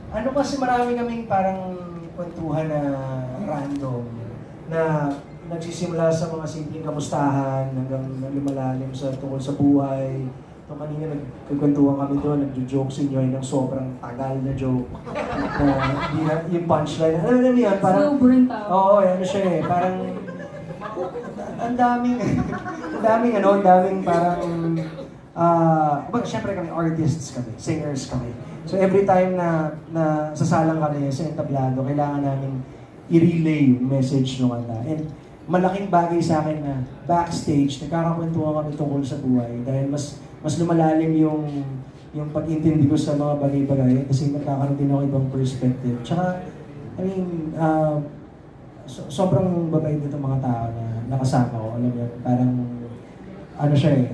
Ano kasi marami kaming parang kwentuhan na random na nagsisimula sa mga simpleng kamustahan hanggang lumalalim sa tungkol sa buhay. So kanina nagkukwentuhan kami doon, nagjo-joke si Nyoy ng sobrang tagal na joke. Na hindi na, yung punchline, alam mo yun, parang... Sobrang tao. Oo, ano siya eh, parang... Ang daming, ang daming parang... Siyempre kami, artists kami, singers kami. So every time na sasalang kami sa entablado, kailangan namin i-relay yung message ng kanta. And malaking bagay sa akin na backstage, nagkakakwentuhan kami tungkol sa buhay dahil mas lumalalim yung pag-intindi ko sa mga bagay-bagay kasi nagkakaroon din ako ibang perspective. Tsaka, I mean, sobrang babait dito mga tao na nakasama ko. Alam mo yun, parang, ano siya eh,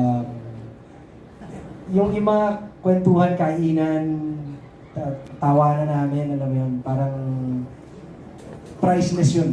yung mga kwentuhan, kainan, tawanan namin, alam mo yun, parang priceless yun.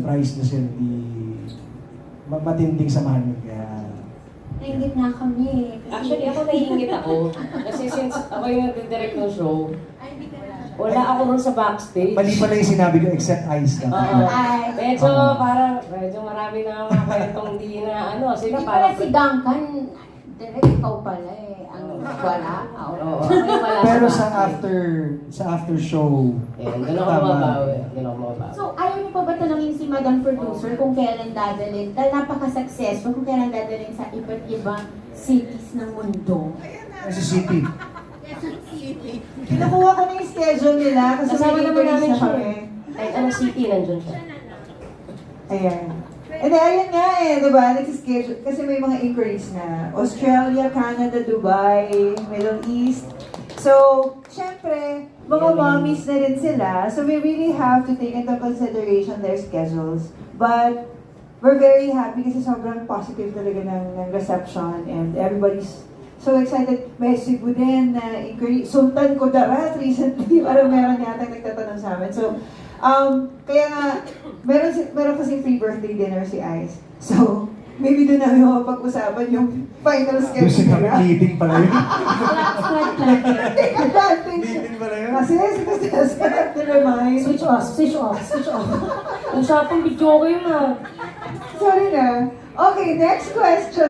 Matinding samahan yun. Kaya... Nainggit na kami. Actually, ako naiingit ako. Kasi since ako yung nag-direct ng show, wala ako ron sa backstage. Mali pala yung sinabi ko, except ice lang. Oo. Ay. Medyo marami na mga kwentong di na ano. Sila Hindi pala parang... si Duncan, direct ikaw pala eh. Ang wala. Oo. Wala Pero backstage. sa after show, Ayan, doon ako mababawi. So, ayaw niyo pa ba tanongin si Madam Producer kung kailan dadalhin? Dahil napaka-successful kung kailan dadalhin sa iba't ibang cities ng mundo. sa city. Kinukuha ko na yung schedule nila kasi Kasama may naman namin na siya. kami. Kahit anong city, nandun siya. Ayan. And then, ayun nga eh, di ba? Nag-schedule. Kasi may mga inquiries na. Australia, Canada, Dubai, Middle East. So, syempre, mga mommies na rin sila. So, we really have to take into consideration their schedules. But, we're very happy kasi sobrang positive talaga ng reception and everybody's so excited. May Cebu din na inquiry. Sultan Kudarat recently, parang meron yata nagtatanong sa amin. So, kaya nga, meron kasi free birthday dinner si Ice. So, maybe doon namin mapag-usapan yung final Yung schedule sa nila. meeting pala yun. Take advantage. Meeting pala yun. Kasi to remind. Switch off, switch off, switch off. Usapang video ko yun ah. Sorry na. Okay, next question.